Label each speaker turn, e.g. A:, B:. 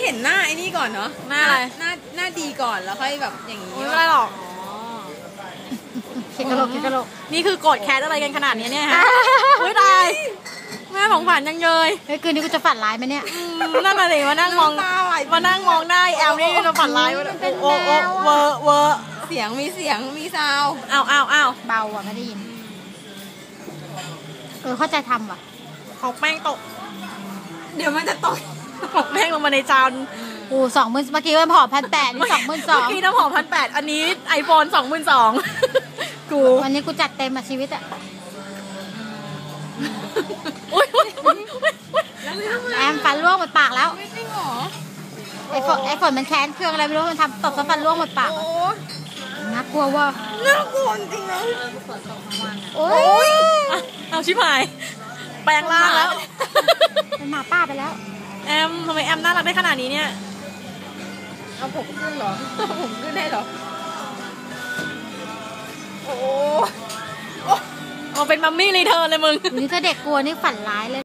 A: เห็นหน้าไอ้นี่ก่อนเนาะ
B: หน้าอะไร
A: หน้าดีก่อนแล้วค่อยแบบอย่างนี้
B: ไม่เป็นไรหรอก
C: เข็ดกระโหลกเข็ดกระโหลก
B: นี่คือโกรธแค้นอะไรกันขนาดนี้เนี่ยฮะอุ้ยตายแม่ของฝันยังเยย
C: เฮ้ยคืนนี้กูจะฝันร้ายไหมเนี่ย
B: นั่นน่ะสิมานั่งมองหน้าแอลนี่จะฝันร้ายโอ้เวอร์
A: เสียงมีซาว
B: อ้าว
C: เบาอ่ะไม่ได้ยินเข้าใจทำว่ะ
B: ของแป้งตก
A: เดี๋ยวมันจะตก
B: ของแป้งลงมาในจาน
C: โอ้20,000เมื่อกี้มันผอ1,800นี่22,000
B: เมื่อกี้น้ำหอม1,800อันนี้ไอโฟน22,000กู
C: วันนี้กูจัดเต็มอ่ะชีวิตอ่ะ
B: อุ้ย
C: แอมฟันร่วงหมดปากแล้ว
A: ไม่จริงหรอ
C: ไอ้ฝนมันแค้นเครื่องอะไรไม่รู้มันทำตบซะฟันร่วงหมดปาก
A: โอ้
C: น่ากลัวว่ะ
A: น่ากลัวจริงนะ
C: โอ้ย
B: เอาชิบหายแปลงร่างแล้ว
C: เป็นหมาป้าไปแล้ว
B: แอมทำไมแอมน่ารักได้ขนาดนี้เนี่ย
A: เอาผมขึ้นเหรอผมขึ้นได้เหรอโอ้
B: เอาเป็นมัมมี่รีเทิร์นเลยมึง
C: วันนี้ถ้าเด็กกลัวนี่ฝันร้ายเลย